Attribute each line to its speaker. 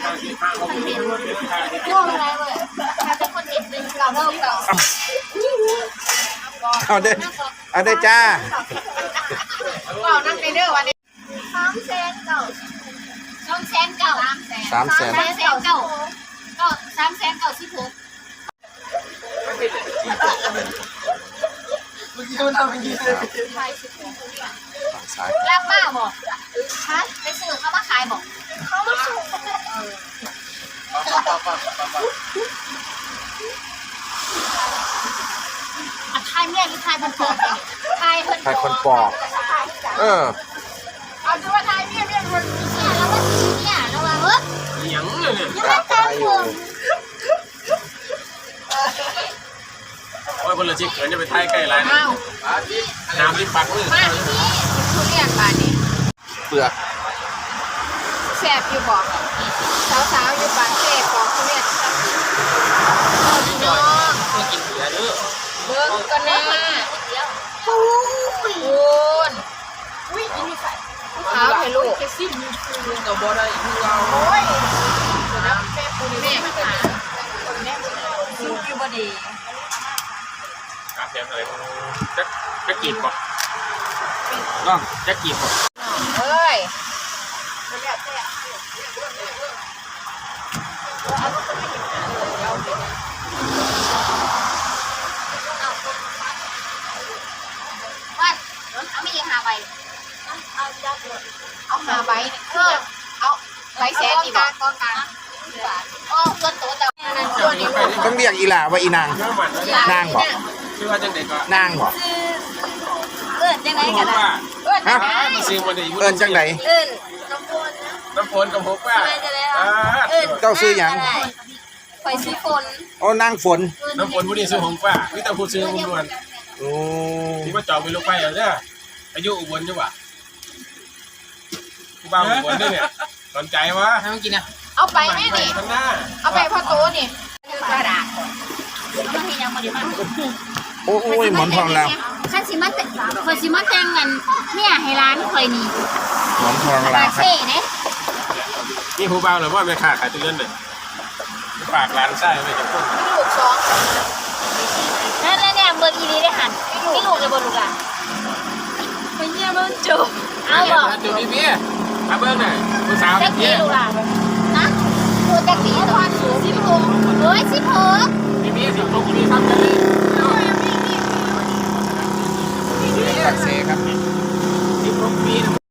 Speaker 1: ช่วงอะไรเว้ยถ้าเป็นคนเด็ดเป็นเก่าเริ่มเก่า
Speaker 2: เอาเด้จ้า
Speaker 1: เก่านั่งในเด้อวันนี้300,000เก่า300,000เก่า300,000เก่าก็300,000เก่า16
Speaker 3: เมื่อกี้มันทำอย่างนี้เลย
Speaker 1: รับมาบอกฮะไปซื้อเขามาขายบอกเขามาส่งทายเมียหรือทายคนปอกทายคนปอกเอาดูว่าทายเมียคนเนี่ยแล้วว่าเนี่ยแล้วว่า
Speaker 3: หยังเลยเนี่ย
Speaker 1: ยังไม่ตายอยู่
Speaker 3: โอ้ยคนละชิคเขินจะไปไทยใกล้ไรนะน้ำริมปากมือ
Speaker 1: มาที่นี่ทุเรียนบานนี้
Speaker 2: เปลือก
Speaker 1: แสบอยู่บอกสาวๆอยู่บานเสพบอกทุเรียนพี่น้อง
Speaker 3: มากินเบียร์เด้อ
Speaker 1: เบิ้งกันนะปูนเอาให้ลูก
Speaker 3: กับบอได้คือเรา
Speaker 1: โอ้ยแม่ปูนแม่มาหาลูกอยู่บ่ดี
Speaker 3: กาแฟอะไรจะกีบก่อนน้องจะกีบก่อน
Speaker 1: เฮ้ยวัดเอาไม่ยังหาใบเอาหาใบเอาใบแสนดีบ่กองกลางโอ้เงินตัวแต่
Speaker 2: ต้องเรียกอีหล่าว่าอีนางนางบอก
Speaker 3: ชื่อว่าจังเด็กก็
Speaker 2: นางบอก
Speaker 1: จังไหนกัน
Speaker 2: ฮะ
Speaker 3: ซื้อมาได้
Speaker 2: เอิญจังไหน
Speaker 3: น้ำฝนกับหกว่า
Speaker 2: เจ้าซื้อยัง
Speaker 1: ไฟซื้อฝน
Speaker 2: โอ้นางฝน
Speaker 3: น้ำฝนผู้นี้ซื้อหงว่าวิตาพูดซื้ออุบล
Speaker 2: โอ้
Speaker 3: ที่ว่าจองไปลูกไปเหรอเนี่ยอายุอุบลใช่ป่ะบ้าอุบลด้วยเนี่ยสนใจวะทำกินนะ
Speaker 1: เอาไปไหมนี่
Speaker 3: ข้างหน้า
Speaker 1: เอาไปพ่อโตนี่กระดาษมันมียังมาดีมาก
Speaker 2: โอ้ยหมอนทองแล้ว
Speaker 1: ข้าสิมาแต่คอยสิมาแต่งเงินเนี่ยให้ร้านคอยนี่
Speaker 2: หมอนทองแล้ว
Speaker 1: เซ่เนี่ย
Speaker 3: นี่หูเบาหรือว่าไม่ขาดขายตัวเล่นเลยฝากร้านไส้ไม่จะพูด
Speaker 1: ลูกสองนั่นเนี่ยเบอร์อีนี้ได้หันนี่ลูกเลยบนลูกอ่ะไปเยี่ยมมันจูเอาบอก
Speaker 3: จูพี่พี่มาเบิ้งหน่อยผู้สาว
Speaker 1: พี่ลูกอ่ะนะตัวตะกี้ตอน16เฮ้ย16
Speaker 3: พี่16พี่ทำกันเลย
Speaker 2: ตักเซครับ
Speaker 3: 16ปี